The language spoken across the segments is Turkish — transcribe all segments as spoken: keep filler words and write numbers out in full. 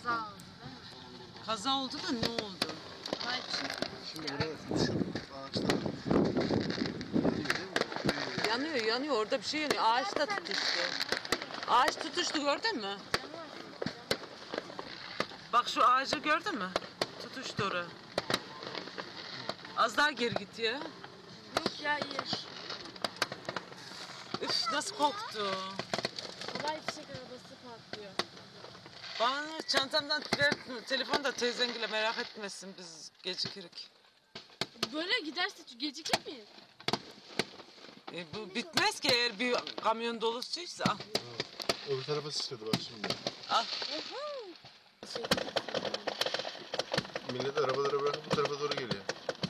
Kaza oldu değil mi? Kaza oldu da ne oldu? Hayır. Şimdi buraya şu ağaçlar yanıyor değil mi? Yanıyor yanıyor orada bir şey yanıyor. Ağaç da tutuştu. Ağaç tutuştu gördün mü? Bak şu ağacı gördün mü? Tutuştu oraya. Az daha geri git ya. Yok ya iyi. Üf nasıl koktu. Kolay fişek arabası patlıyor. Bana çantamdan ver, telefonu da teyzengile merak etmesin biz gecikirik. Böyle giderse gecikir miyiz? E, bu bitmez ki eğer bir kamyon dolusuysa. Al. Öbür tarafa sıçradı bak şimdi. Al. Şey, Millet arabalara bırakıp bu tarafa doğru geliyor.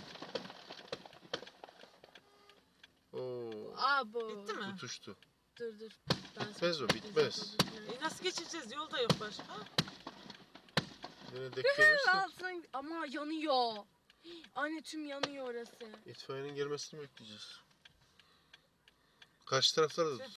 Oo, Abo. Bitti mi? tutuştu. Dur dur. Ben Bitmez sana- o, bitmez. E, nasıl geçeceğiz? Yolda yok başka. Yine denk gelirse Altına ama yanıyor. Anne tüm yanıyor orası. itfaiyenin gelmesini bekleyeceğiz. Karşı taraflarda da